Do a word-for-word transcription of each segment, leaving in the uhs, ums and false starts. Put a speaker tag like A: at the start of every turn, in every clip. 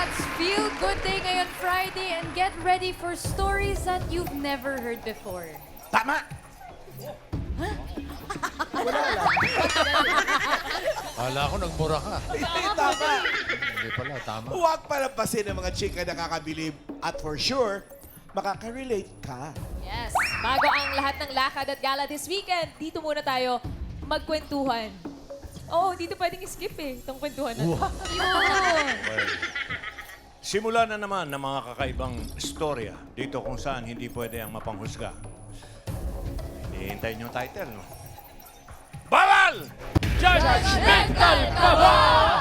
A: Cats, feel good day ngayon Friday and get ready for stories that you've never heard before.
B: Tama!
C: Kala ko nagmura ka.
B: Hindi, tama.
C: Hindi pala, tama.
B: Huwag palampasin ng mga chika na nakakabilib at for sure, makaka-relate ka.
D: Yes. Bago ang lahat ng lakad at gala this weekend, dito muna tayo magkwentuhan. Oo, dito pwedeng skip eh, itong kwentuhan na. Wow. Yun.
E: Simula na naman ng mga kakaibang istorya dito kung saan hindi pwede ang mapanghusga. Hinihintay niyo yung title, no? Bawal!
D: Judgmental ka ba?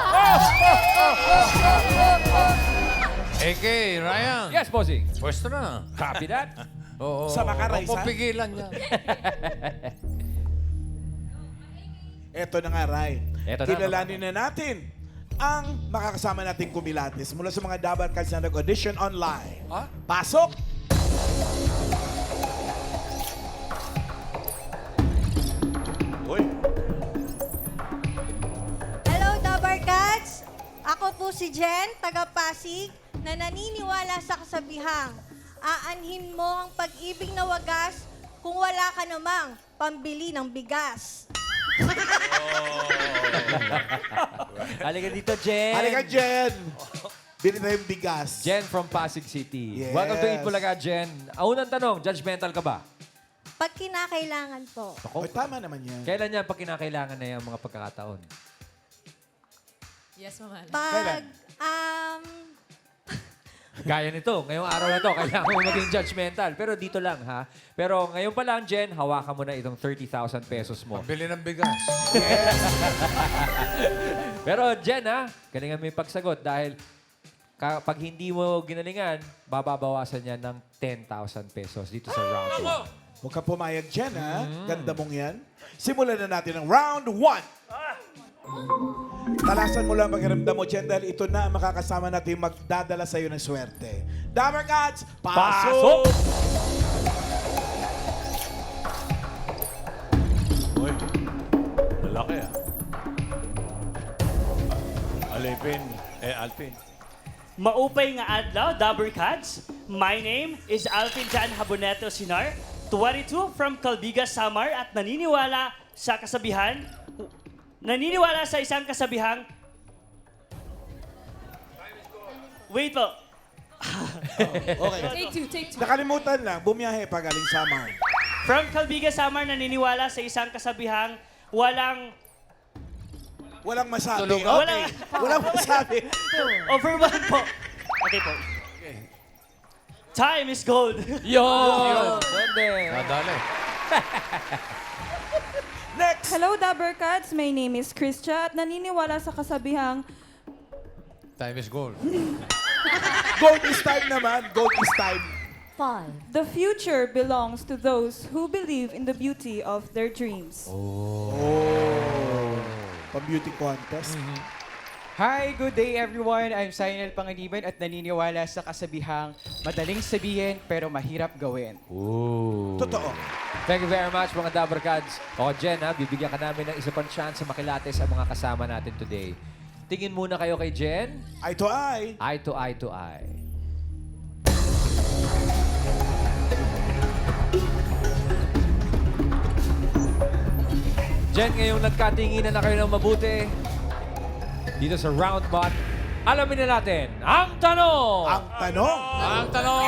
C: A K, Ryan.
F: Yes, bossing.
C: Pwesto na.
F: Copy that.
C: Oo.
B: Sa Macaray,
C: Huwag mo
B: sa?
C: pigilan niya.
B: Eto na nga, Ray.
F: Eto na,
B: Kilalanin na natin ang makakasama nating kumilatis mula sa mga Dabar Cats na nag-audition online.
C: Ha?
B: Pasok!
E: Uy,
G: Hello, Dabar Cats! Ako po si Jen, taga Pasig, na naniniwala sa kasabihang, aanhin mo ang pag-ibig na wagas kung wala ka namang pambili ng bigas.
F: Halika dito, Jen.
B: Halika, Jen! Bili na yung bigas.
F: Jen from Pasig City.
B: Yes.
F: Welcome to Eat Bulaga, Jen. Ang unang tanong, judgmental ka ba?
G: Pag kinakailangan po.
B: Oy, tama naman yan.
F: Kailan niya pag kinakailangan na yung mga pagkakataon?
D: Yes, Mama.
B: Kailan?
G: Pag, um,
F: Gaya nito, ngayong araw na to, kailangan mo maging judgmental. Pero dito lang, ha? Pero ngayon pa lang, Jen, hawakan mo na itong thirty thousand pesos mo.
C: Pambili ng bigas.
F: Pero Jen, ha? Galingan mo yung pagsagot dahil kapag hindi mo ginalingan, bababawasan niya ng ten thousand pesos dito sa round one.
B: Huwag kang pumayag, Jen, ha? Ganda mong yan. Simulan na natin ang round one. Talasan mo lang pakiramdam mo, Jen, dahil ito na ang makakasama natin magdadala sa'yo ng swerte. Dabar Cats, pasok!
E: uy. Lalaki, ah. Alipin, eh, Alpin.
H: Maupay nga adlaw, Dabber Cats. My name is Alvin Jan Haboneto Sinar, twenty-two from Calbiga, Samar at naniniwala sa kasabihan, naniniwala sa isang kasabihang, wait po,
B: Okay.
D: Take two, take two.
B: Nakalimutan lang, bumiyahe pa galing Samar.
H: from Calbiga, Samar, naniniwala sa isang kasabihang, walang
B: Walang masabi.
C: Tulog.
B: Okay.
H: Walang-
B: Walang masabi.
H: overwhelm po. Okay po. Time is gold.
F: Yun! Pwede.
C: Nadali.
B: Next!
I: Hello, Dabber Cats. My name is Christia at naniniwala sa kasabihang
C: Time is gold.
B: Gold is time naman. Gold is time.
I: the future belongs to those who believe in the beauty of their dreams.
B: Pang-beauty contest.
J: Hi, good day everyone. I'm Sainel Pangaliban at naniniwala sa kasabihang madaling sabihin pero mahirap gawin.
F: Ooh.
B: Totoo.
F: Thank you very much, mga Dabber Cats. O, Jen, ha, bibigyan ka namin ng isa pang chance sa makilates sa mga kasama natin today. Tingin muna kayo kay Jen.
B: Eye to eye.
F: Eye to eye to eye. Jen, ngayong nagkatinginan na kayo ng mabuti, dito sa round bot, alamin na natin ang tanong!
B: Ang tanong.
C: Ang tanong!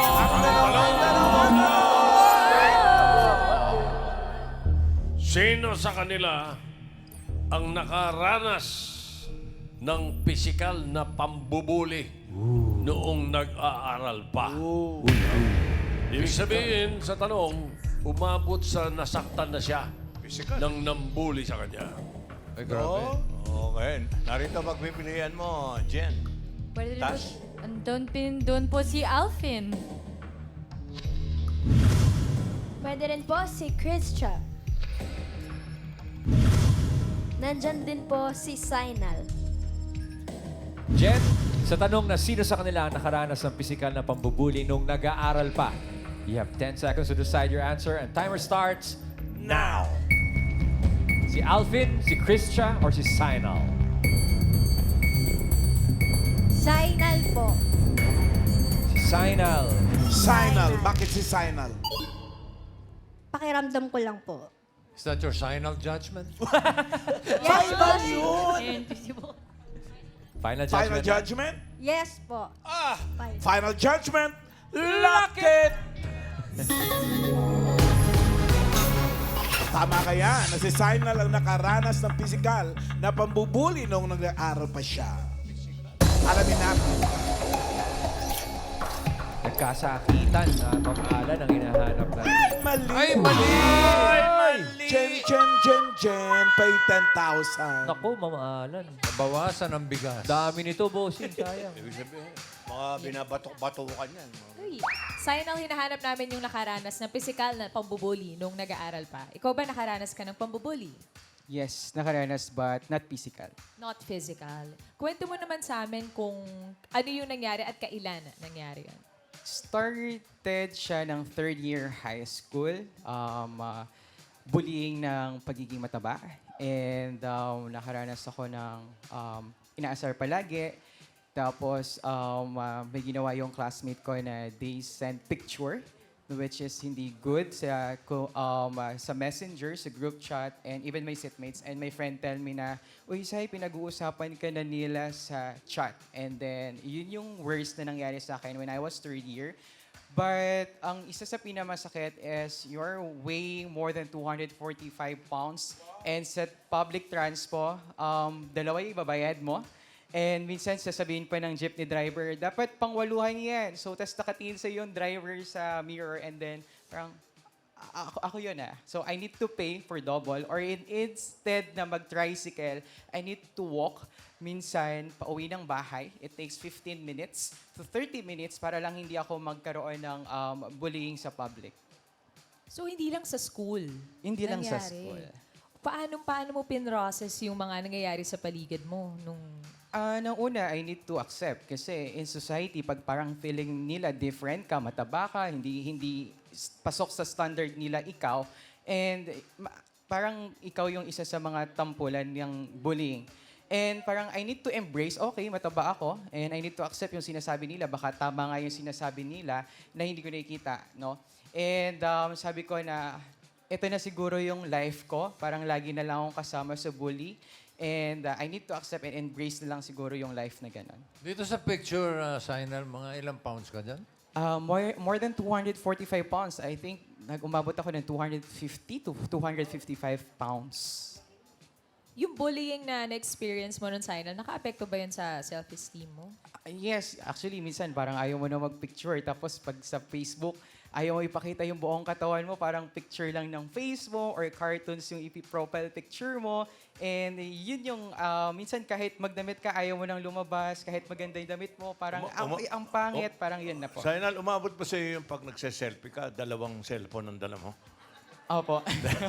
K: Sino sa kanila ang nakaranas ng pisikal na pambubuli noong nag-aaral pa? Ibig sabihin sa tanong, umabot sa nasaktan na siya ng nambuli sa kanya.
C: Ay, grabe.
E: Okay, narito pagpipilian mo, Jen.
A: Pwede rin po,
E: Tas?
A: andun, pin, doon po si Alvin.
G: Pwede rin po si Christia. Nandyan din po si Sainal.
F: Jen, sa tanong na sino sa kanila ang nakaranas ng pisikal na pambubuli nung nag-aaral pa, you have ten seconds to decide your answer and timer starts now. Si Alvin, si Christia, or si Sainal?
G: Sainal po.
F: Si Sinal.
B: Sinal. Bakit si Sinal?
G: Pakiramdam ko lang po.
C: Is that your final judgment?
G: Yes po.
B: Sinal yun!
F: Final judgment.
B: Final judgment?
G: Yes po.
B: Ah!
G: Final.
B: Final judgment? Lock it! Tama kaya na si Sinal ang nakaranas ng pisikal na pambubuli noong nag-aaral pa siya. Alamin natin.
F: Nagkasakitan na pamahalan ang hinahanap na.
B: Mali!
C: Ay, mali!
B: Ay, mali! Jen, Jen, Jen, Jen. Pay ten thousand.
F: Naku, mamahalan.
C: Bawasan ang bigas.
F: Dami nito, bossing. Sayang.
E: Ibig sabihin, mga binabatok-batukan yan.
D: Uy, Sinal, hinahanap namin yung nakaranas ng physical na pambubuli nung nag-aaral pa. Ikaw ba nakaranas ka ng pambubuli?
J: Yes, nakaranas but not physical.
D: Not physical. Kwento mo naman sa amin kung ano yung nangyari at kailan nangyari yan.
J: Started siya ng third year high school. Um, uh, bullying ng pagiging mataba. And um, nakaranas ako ng um, inaasar palagi. Tapos um, uh, may ginawa yung classmate ko na they sent picture which is hindi good sa ko- um, uh, sa messenger, sa group chat, and even my sitmates and my friend tell me na, uy, Sai, pinag-uusapan ka na nila sa chat. And then, yun yung worst na nangyari sa akin when I was third year. But ang isa sa pinamasakit is you're weighing more than two hundred forty-five pounds and sa public transpo, um, dalawa yung ibabayad mo. And minsan sasabihin pa ng jeepney driver, dapat pangwaluhan yan. So, tas nakatingin sa yung driver sa mirror and then parang, "A- ako, ako yun ah. So, I need to pay for double or in, instead na mag-tricycle, I need to walk minsan pauwi ng bahay. It takes fifteen minutes to thirty minutes para lang hindi ako magkaroon ng um, bullying sa public.
D: So, hindi lang sa school.
J: Hindi lang sa
D: nangyari.
J: school.
D: Paano, paano mo pinrocess yung mga nangyayari sa paligid mo nung...
J: Ah, nang una, I need to accept kasi in society, pag parang feeling nila different ka, mataba ka, hindi hindi s- pasok sa standard nila ikaw, and ma- parang ikaw yung isa sa mga tampulan ng bullying. And parang I need to embrace, okay, mataba ako, and I need to accept yung sinasabi nila. Baka tama nga yung sinasabi nila na hindi ko nakikita, no? And um, sabi ko na, ito na siguro yung life ko. Parang lagi na lang akong kasama sa bully. And uh, I need to accept and embrace na lang siguro yung life na ganun.
C: Dito sa picture, uh, Sinal, mga ilang pounds ka dyan?
J: Uh, more, more than two hundred forty-five pounds. I think nag-umabot ako ng two hundred fifty to two hundred fifty-five pounds.
D: Yung bullying na na-experience mo nun, Sinal, naka-apekto ba yun sa self-esteem mo?
J: Uh, yes, actually, minsan parang ayaw mo na mag-picture. Tapos pag sa Facebook, ayaw mo ipakita yung buong katawan mo. Parang picture lang ng face mo or cartoons yung ipi-profile picture mo. And yun yung, uh, minsan kahit magdamit ka, ayaw mo nang lumabas. Kahit maganda yung damit mo, parang
E: Uma-
J: ang,
E: uma-
J: ang pangit, parang yun na po.
E: Sinal, umabot ba sa iyo yung pag nagse-selfie ka, dalawang cellphone ang dala mo?
J: Opo.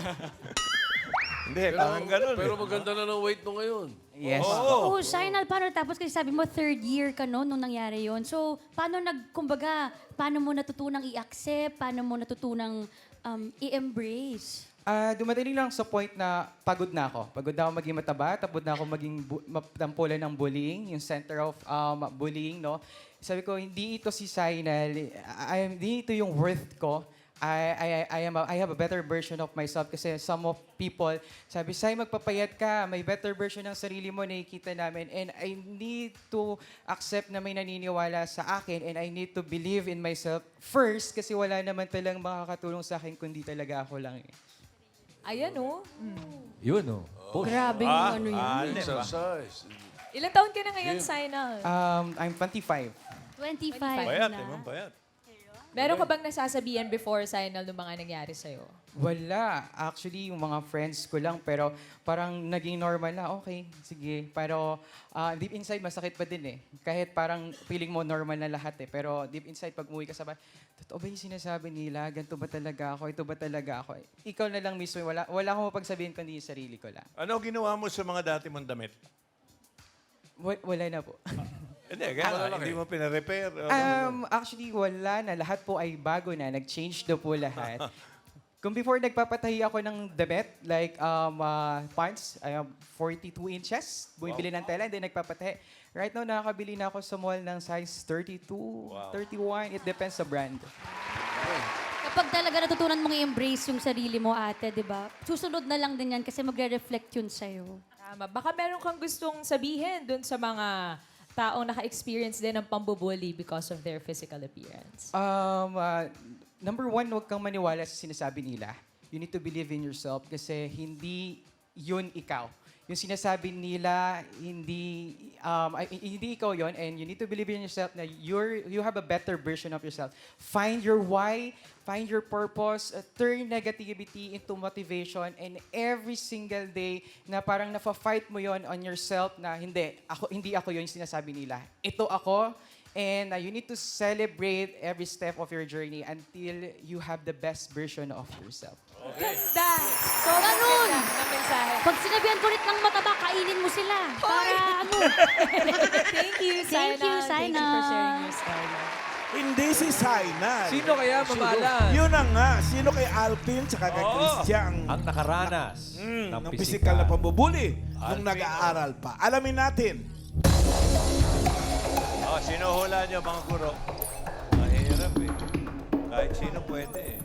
E: Hindi, parang ganun.
K: Pero
E: eh.
K: maganda na ng weight mo ngayon.
J: Yes.
B: Oo.
L: Oo, Sinal, paano tapos kasi sabi mo third year ka no nung nangyari yon. So, paano nag kumbaga, paano mo natutunang i-accept, paano mo natutunang um, i-embrace?
J: Ah, dumating lang sa point na pagod na ako. Pagod na ako maging mataba, tapos na ako maging bu- matampulan ng bullying, yung center of um, bullying, no? Sabi ko, hindi ito si Sinal, I, hindi ito yung worth ko. I, I, I, am a, I have a better version of myself kasi some of people, sabi, Sai, magpapayat ka, may better version ng sarili mo, nakikita namin. And I need to accept na may naniniwala sa akin and I need to believe in myself first kasi wala naman talagang makakatulong sa akin kundi talaga ako lang. Eh.
D: Ayan, oh.
F: Yun, oh. Post.
L: Grabe yung
E: Ah,
L: ano yun.
K: Exercise.
D: Ilang taon ka na ngayon, Sinal?
J: Um, I'm twenty-five.
L: twenty-five
E: Bayat,
L: na.
E: eh, ma'am, bayat.
D: Meron ka bang nasasabihan before, Sinal, ng mga nangyari sa'yo?
J: Wala. Actually, yung mga friends ko lang, pero parang naging normal na, okay, sige. Pero ah, deep inside, masakit pa din eh. Kahit parang feeling mo normal na lahat eh. Pero deep inside, pag umuwi ka sa bahay, totoo ba yung sinasabi nila? Ganito ba talaga ako? Ito ba talaga ako? Ikaw na lang mismo, wala, wala akong mapagsabihin kundi yung sarili ko lang.
E: Ano ginawa mo sa mga dati mong damit?
J: Wa- wala na po.
E: Hindi, kaya nga, hindi mo pina-repair. o-
J: Um, actually, wala na. Lahat po ay bago na. Nag-change na po lahat. Kung before nagpapatahi ako ng damit, like um, uh, pants, I have forty-two inches, bumibili ng tela, and then nagpapatahi. Right now, nakakabili na ako sa mall ng size thirty-two, thirty-one. It depends sa brand.
L: Kapag talaga natutunan mong i-embrace yung sarili mo, ate, di ba? Susunod na lang din yan kasi magre-reflect yun sa'yo.
D: Tama. Baka meron kang gustong sabihin dun sa mga taong naka-experience din ng pambubuli because of their physical appearance.
J: Um, uh, number one, huwag kang maniwala sa sinasabi nila. You need to believe in yourself kasi hindi yun ikaw. Yung sinasabi nila, hindi um, ay, hindi ikaw yon, and you need to believe in yourself na you're, you have a better version of yourself. Find your why, find your purpose, uh, turn negativity into motivation, and every single day na parang nafa-fight mo yon on yourself na hindi, ako, hindi ako yun yung sinasabi nila. Ito ako, and uh, you need to celebrate every step of your journey until you have the best version of yourself.
D: Ganda! So,
L: Ganun!
D: ganda ng mensahe.
L: Pag sinabihan ko ulit ng mataba, kainin mo sila. Para ano?
D: Thank you,
L: Thank you,
D: Thank you for
L: Sainal.
D: sharing your story.
B: Hindi si Sainal.
C: Sino kaya mamalan?
B: Yun na nga. Sino kay Alvin tsaka kay
C: Oo.
B: Christian
F: Ang nakaranas
B: mm,
F: ng
B: ng
F: pisikal.
B: pisikal na pambubuli nung
C: Alvin,
B: nag-aaral pa. Alamin natin.
E: Oh, sino hula niyo, mga guro? Mahirap eh. Kahit sino pwede eh.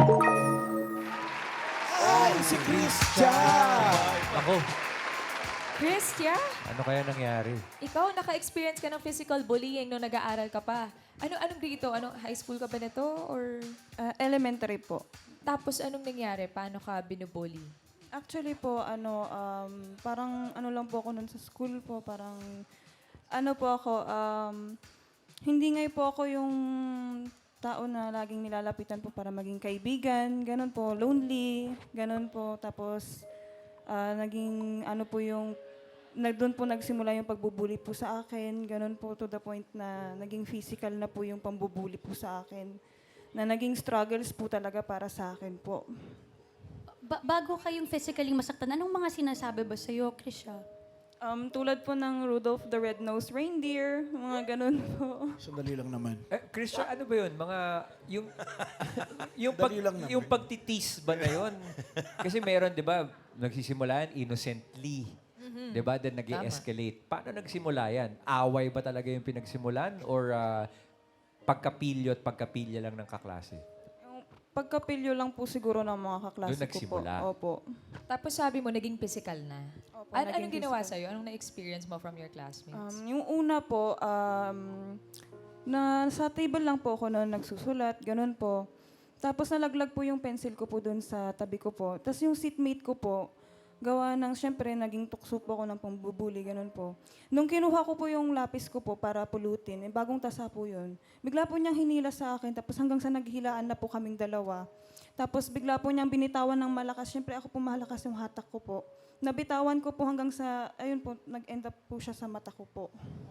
B: Ay, si Christian!
F: Ako,
D: Christian,
F: ano kaya nangyari?
D: ikaw naka-experience ka ng physical bullying nung nag-aaral ka pa. Ano anong grade ito? Anong high school ka ba nito or
I: Ah, elementary po.
D: tapos anong nangyari? Paano ka binubully?
I: Actually po, ano, um, parang ano lang po ako nun sa school po, parang ano po ako, um, hindi nga po ako yung tao na laging nilalapitan po para maging kaibigan, ganun po, lonely, ganun po. Tapos, ah, naging ano po yung, nag, doon po nagsimula yung pagbubuli po sa akin, ganun po to the point na naging physical na po yung pambubuli po sa akin. Na naging struggles po talaga para sa akin po.
L: Ba- bago kayong physically masaktan, anong mga sinasabi ba sa'yo, Krisha?
I: Um, tulad po ng Rudolph the Red-Nosed Reindeer, mga ganun po.
B: Sandali lang naman.
F: Eh, Christian, ano ba yun? Mga, yung, yung, pag,
B: Dali lang naman.
F: yung pagtitis ba na yun? Kasi meron, di ba, nagsisimulaan innocently. Di ba? Then nag escalate Paano nagsimula yan? Away ba talaga yung pinagsimulan? Or ah, pagkapilyo at pagkapilya lang ng kaklase?
I: Yung pagkapilyo lang po siguro ng mga kaklase
F: Doon
I: ko po.
F: nagsimula.
I: Opo.
D: Tapos sabi mo, naging physical na.
I: Opo,
D: An-
I: naging
D: anong ginawa
I: physical.
D: sa'yo? Anong na-experience mo from your classmates?
I: Um, yung una po, um, na sa table lang po ako noon nagsusulat, ganun po. Tapos nalaglag po yung pencil ko po doon sa tabi ko po. Tapos yung seatmate ko po, gawa ng, syempre, naging tukso po ako ng pambubuli, ganun po. Nung kinuha ko po yung lapis ko po para pulutin, eh, bagong tasa po yun, bigla po niyang hinila sa akin, tapos hanggang sa naghilaan na po kaming dalawa. Tapos bigla po niyang binitawan ng malakas, syempre ako po malakas yung hatak ko po. Nabitawan ko po hanggang sa, ayun po, nag-end up po siya sa mata ko po.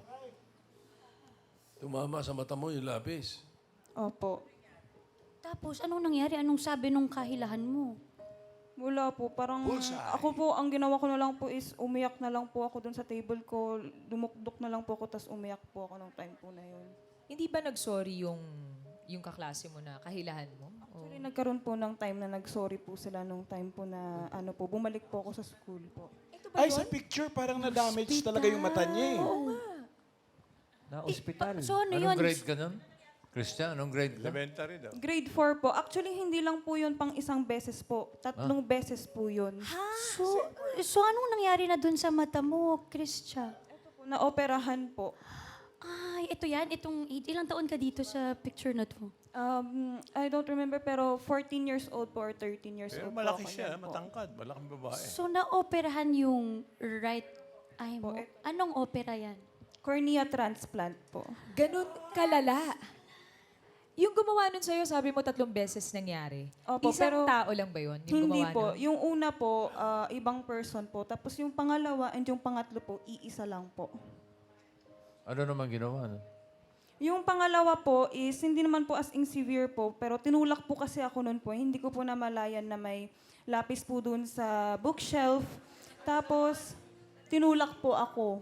K: Tumama sa mata mo yung lapis.
I: Opo.
L: Tapos, anong nangyari? Anong sabi nung kahilahan mo?
I: Wala po, parang
K: Bullseye.
I: ako po, ang ginawa ko na lang po is umiyak na lang po ako dun sa table ko, dumukdok na lang po ako, tapos umiyak po ako nung time po na yun.
D: Hindi ba nag-sorry yung yung kaklase mo na kahilahan mo? O-
I: Actually, nagkaroon po ng time na nag-sorry po sila nung time po na ano po, bumalik po ako sa school po.
D: Ito ba
B: Ay,
D: yun?
B: sa picture, parang na-damage talaga yung mata niya eh.
F: Na ospital.
L: So, ano
C: Anong
L: yun?
C: grade ka nun? Christian, anong grade ka?
E: Elementary daw.
I: Grade four po. Actually, hindi lang po yun pang isang beses po. Tatlong beses po yun.
L: So, so, anong nangyari na dun sa mata mo, Krisha?
I: Ito po, na-operahan po.
L: Ay, ito yan. Itong, ilang taon ka dito sa picture na to?
I: Um, I don't remember, pero fourteen years old po or thirteen years
E: Pero
I: old
E: malaki
I: po ako
E: siya,
I: niyan po.
E: matangkad. Malaking babae.
L: So, naoperahan yung right eye mo.
I: Po, eh.
L: Anong opera yan?
I: Cornea transplant po.
D: Ganun kalala. Yung gumawa nun sa'yo, sabi mo tatlong beses nangyari.
I: Opo,
D: Isang
I: pero
D: tao lang ba yun? Yung
I: Hindi
D: gumawa
I: po.
D: nun?
I: Yung una po, ah, ibang person po. Tapos yung pangalawa and yung pangatlo po, iisa lang po.
C: Ano naman ginawa? No?
I: Yung pangalawa po is, hindi naman po as in severe po, pero tinulak po kasi ako noon po. Hindi ko po namalayan na may lapis po dun sa bookshelf. Tapos, tinulak po ako.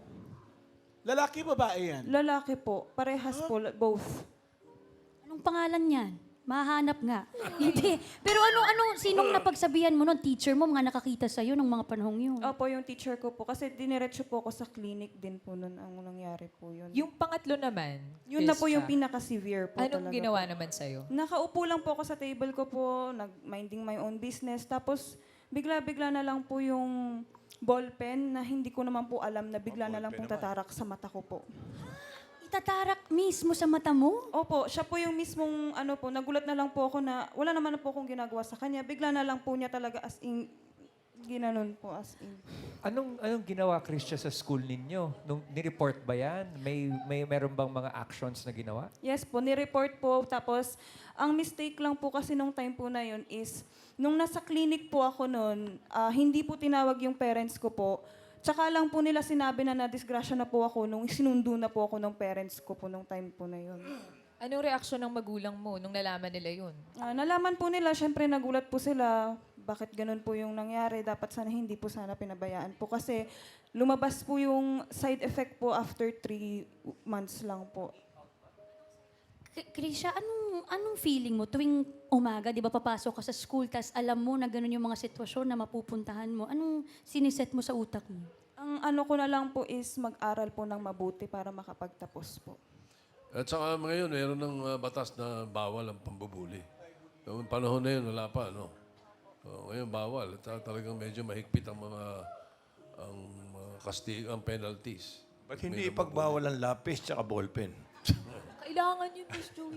B: Lalaki, babae yan?
I: Lalaki po. Parehas po, both.
L: Anong pangalan yan? Mahanap nga. Hindi. Pero ano, ano, sinong napagsabihan mo nun? Teacher mo, mga nakakita sa'yo nung mga panahong yun?
I: Opo, yung teacher ko po. Kasi diniretso po ako sa clinic din po nun ang nangyari po yun.
D: Yung pangatlo naman,
I: Yun na po yung
D: Krista,
I: pinaka-severe po
D: anong
I: talaga
D: ginawa
I: po.
D: naman sa'yo?
I: Nakaupo lang po ako sa table ko po, nag-minding my own business. Tapos, bigla-bigla na lang po yung ballpen na hindi ko naman po alam na bigla na lang pong tatarak sa mata ko po.
L: Itatarak mismo sa mata mo?
I: Opo, siya po yung mismong ano po, nagulat na lang po ako na wala naman na po akong ginagawa sa kanya. Bigla na lang po niya talaga as in, ginanon po as in.
F: Anong anong ginawa, Christian, sa school ninyo? Nung ni-report ba yan? May may meron bang mga actions na ginawa?
I: Yes po, ni-report po. Tapos, ang mistake lang po kasi nung time po na yun is, nung nasa clinic po ako noon, ah, hindi po tinawag yung parents ko po. Tsaka lang po nila sinabi na na-disgrasya na po ako nung sinundo na po ako ng parents ko po nung time po na yun.
D: Anong reaksyon ng magulang mo nung nalaman nila yun?
I: Ah, nalaman po nila, syempre nagulat po sila, bakit ganun po yung nangyari. Dapat sana hindi po sana pinabayaan po. Kasi lumabas po yung side effect po after three months lang po.
L: K- Krisha, anong, anong feeling mo tuwing umaga, di ba papasok ka sa school, tas alam mo na ganun yung mga sitwasyon na mapupuntahan mo. Anong siniset mo sa utak mo?
I: Ang ano ko na lang po is mag-aral po ng mabuti para makapagtapos po.
K: At saka ngayon, meron ng uh, batas na bawal ang pambubuli. Noong panahon na yun, wala pa, no? So, ngayon, bawal. At uh, talagang medyo mahigpit ang mga ang mga kastig, ang penalties.
E: Ba't hindi ipagbawal ang lapis tsaka ballpen?
D: Kailangan yun, Miss Joey.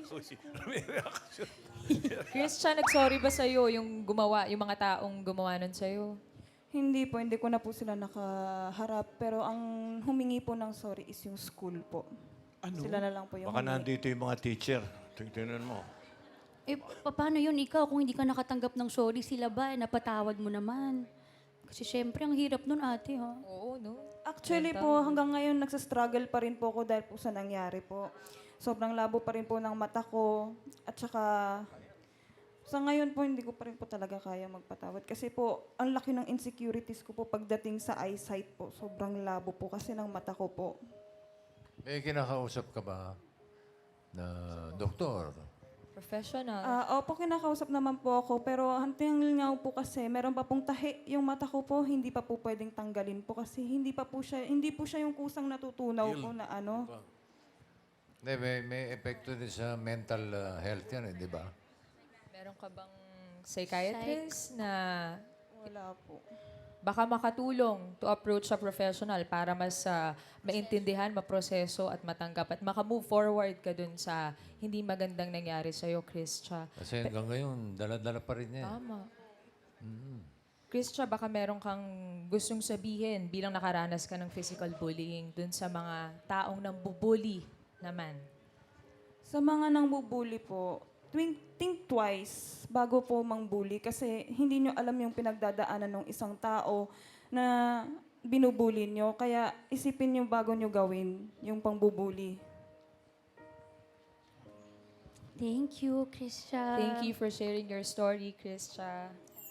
D: Christian, nag-sorry ba sa'yo yung gumawa, yung mga taong gumawa nun sa'yo?
I: Hindi po, hindi ko na po sila nakaharap. Pero ang humingi po ng sorry is yung school po.
B: Ano?
I: Sila na lang po yung
E: Baka
I: humingi.
E: nandito yung mga teacher. Tingnan mo.
L: Eh, pa- paano yun ikaw kung hindi ka nakatanggap ng sorry? Sila ba? Eh, napatawad mo naman. Kasi syempre, ang hirap nun ate, ha?
D: Oo, no?
I: Actually po, hanggang ngayon nagsastruggle pa rin po ako dahil po sa nangyari po. Sobrang labo pa rin po ng mata ko. At saka, sa ngayon po, hindi ko pa rin po talaga kaya magpatawad. Kasi po, ang laki ng insecurities ko po pagdating sa eyesight po. Sobrang labo po kasi ng mata ko po.
C: May kinakausap ka ba na doktor?
D: Professional.
I: Ah, opo, kinakausap naman po ako. Pero hanggang nga po kasi, meron pa pong tahi. Yung mata ko po, hindi pa po pwedeng tanggalin po. Kasi hindi pa po siya, hindi po siya yung kusang natutunaw po na ano.
C: Hindi, may, may epekto din sa mental uh, health yan, eh, di ba?
D: Meron ka bang psychiatrist na
I: Wala po.
D: baka makatulong to approach sa professional para mas ah, maintindihan, maproseso at matanggap at makamove forward ka dun sa hindi magandang nangyari sa'yo, Christia.
C: Kasi hanggang ngayon, dala-dala pa rin yan.
D: Tama. Christia, baka meron kang gustong sabihin bilang nakaranas ka ng physical bullying dun sa mga taong nang bubuli naman.
I: Sa mga nang bubuli po, think, think twice bago po mangbuli kasi hindi nyo alam yung pinagdadaanan ng isang tao na binubuli nyo. Kaya isipin nyo bago nyo gawin yung pangbubuli.
L: Thank you, Krisha.
D: Thank you for sharing your story, Christia.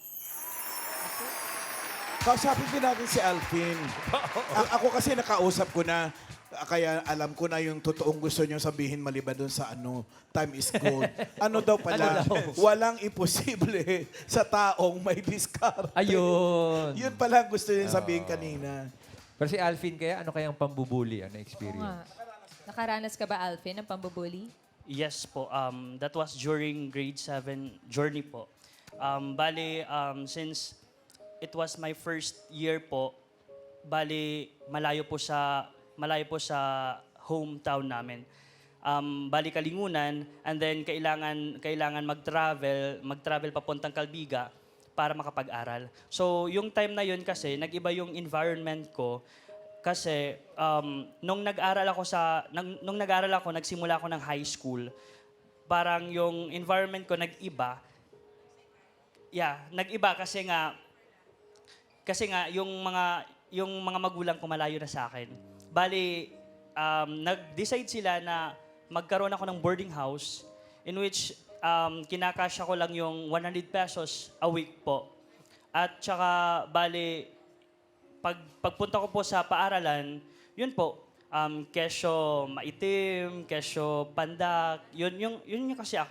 B: Kausapin din natin si Alvin. A- ako kasi nakausap ko na, kaya alam ko na yung totoong gusto niyo sabihin maliban doon sa ano, time is gold. Ano daw pala, walang imposible sa taong may diskarte.
F: Ayun.
B: Yun pala ang gusto niya sabihin kanina.
F: Pero si Alvin kaya, ano kayang pambubuli? Ano
D: Oo
F: experience?
D: nga. Nakaranas ka ba, Alvin, ng pambubuli?
H: Yes po. Um, that was during grade seven journey po. Um, bali, um, since it was my first year po, bali, malayo po sa malayo po sa hometown namin. Um, bali Kalingunan, and then kailangan kailangan mag-travel, mag-travel papuntang Calbiga para makapag-aral. So, yung time na yun kasi, nag-iba yung environment ko. Kasi um, nung nag-aral ako sa nung, nung nag-aral ako, nagsimula ako ng high school. Parang yung environment ko nag-iba. Yeah, nag-iba kasi nga kasi nga yung mga yung mga magulang ko malayo na sa akin. Bali um, nag-decide sila na magkaroon ako ng boarding house in which um, kinakasya ko lang yung one hundred pesos a week po. At saka bali Pag, pagpunta ko po sa paaralan, yun po, um, kesyo maitim, kesyo pandak, yun, yung, yun yung kasi ako.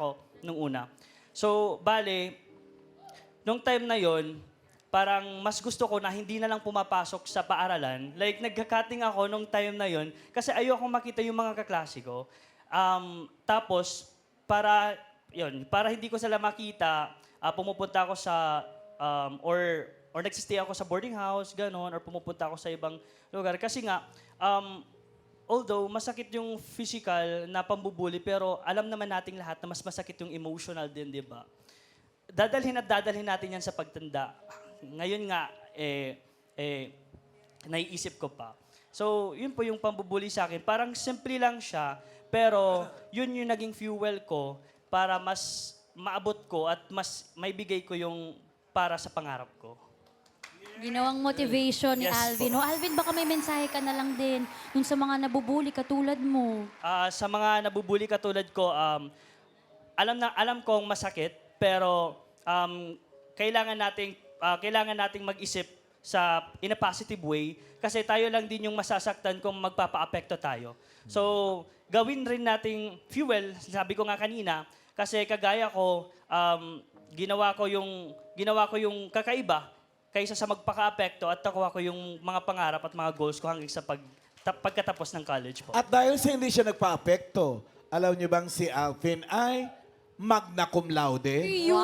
H: nung una. So, bale, nung time na yon, parang mas gusto ko na hindi na lang pumapasok sa paaralan. Like, nagka-cutting ako nung time na yon kasi ayoko makita yung mga kaklase ko. Um, tapos, para, yun, para hindi ko sila makita, ah, pumupunta ako sa, um, or, or nagsistay ako sa boarding house, ganon, or pumupunta ako sa ibang lugar. Kasi nga, um, although masakit yung physical na pambubuli, pero alam naman nating lahat na mas masakit yung emotional din, di ba? Dadalhin at dadalhin natin yan sa pagtanda. Ngayon nga, eh, eh, naiisip ko pa. So, yun po yung pambubuli sa akin. Parang simple lang siya, pero yun yung naging fuel ko para mas maabot ko at mas maibigay ko yung para sa pangarap ko.
L: Ginawang motivation ni
H: Yes
L: Alvin.
H: po.
L: O Alvin, baka may mensahe ka na lang din dun sa mga nabubuli katulad mo.
H: Ah, sa mga nabubuli katulad ko, um, alam na alam kong masakit, pero um, kailangan nating ah, kailangan nating mag-isip sa in a positive way kasi tayo lang din yung masasaktan kung magpapa-apekto tayo. So, gawin rin nating fuel, sabi ko nga kanina, kasi kagaya ko, um, ginawa ko yung ginawa ko yung kakaiba kaysa sa magpaka-apekto at nakuha ko yung mga pangarap at mga goals ko hanggang sa pag, ta- pagkatapos ng college po.
B: At dahil sa hindi siya nagpa-apekto, alam niyo bang si Alvin ay magna cum laude?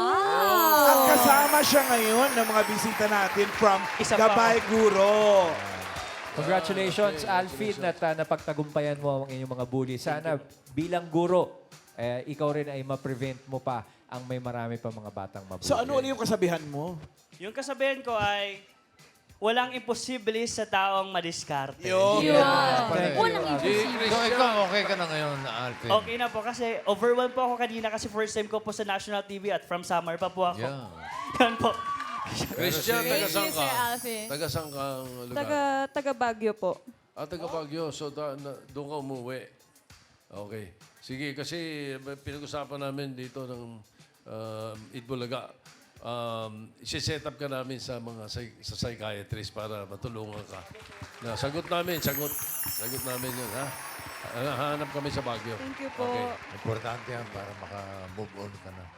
B: At kasama siya ngayon ng mga bisita natin from
H: Isa pa
B: Gabay Guro.
F: Congratulations, Alvin, at uh, napagtagumpayan mo ang inyong mga bully. Sana bilang guro, eh, ikaw rin ay ma-prevent mo pa ang may marami pa mga batang mabuli.
B: So ano ulit yung kasabihan mo?
H: Yung kasabihan ko ay, walang imposible sa taong madiskarte.
B: Yun.
L: Yeah. Walang
C: Di,
L: imposible.
C: so, ikaw, okay ka na ngayon, Alvin?
H: Okay na po kasi overwhelmed po ako kanina kasi first time ko po sa national T V at from summer pa po ako.
C: Yeah.
H: Yan po.
K: Christian, taga saan ka?
I: Alvin.
K: Taga saan ka ang lugar?
I: Taga, taga Baguio po.
K: Ah, taga Baguio. So, da, na, doon ka umuwi. Okay. Sige, kasi may pinag-usapan namin dito ng um, Itbulaga. Um, isi-set up ka namin sa mga psy- sa psychiatrist para matulungan ka. Na, sagot namin, sagot. Sagot namin yun, ha? Ah, Hanap kami sa Baguio.
I: Thank you po.
K: Okay.
C: Importante yan para maka-move on ka na.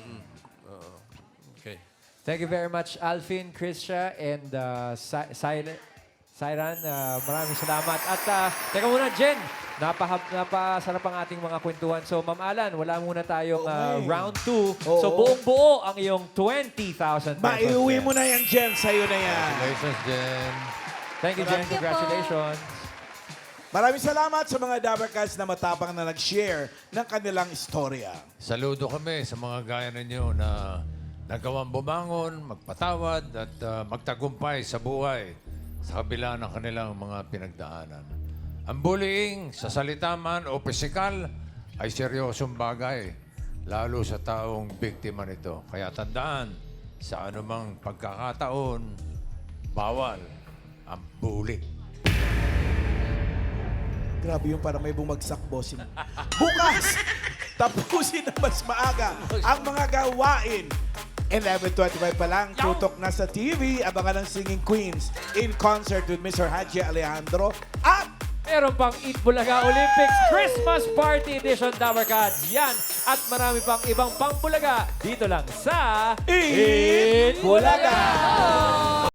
K: Oo. Okay.
F: Thank you very much, Alvin, Krisha, and uh, Si- Sil- Siran. Uh, maraming salamat. At uh, teka muna, Jen. Napahab, napasarap ang ating mga kwentuhan. So, Ma'am Alan, wala muna tayong uh,
B: Okay.
F: round two.
B: Oo.
F: So, buong-buo ang iyong twenty thousand pesos.
B: Maiuwi
F: Jen.
B: mo na yan, Jen. Sa'yo na yan.
C: Congratulations, Jen.
F: Thank you, Jen. Congratulations.
B: Maraming salamat sa mga Dabarcats na matapang na nag-share ng kanilang istorya.
C: Saludo kami sa mga gaya ninyo na nagawang bumangon, magpatawad at uh, magtagumpay sa buhay sa kabila ng kanilang mga pinagdaanan. Ang bullying, sa salita man o pisikal, ay seryosong bagay, lalo sa taong biktima nito. Kaya tandaan, sa anumang pagkakataon, bawal ang bully.
B: Grabe yung parang may bumagsak, bossing. Bukas, tapusin na mas maaga ang mga gawain. eleven twenty-five pa lang, tutok na sa T V. Abangan ng Singing Queens in concert with Mister Haji Alejandro. At
F: Meron pang Eat Bulaga Olympics Christmas Party Edition Dabarcats. Yan at marami pang ibang pang Bulaga dito lang sa
B: Eat Bulaga!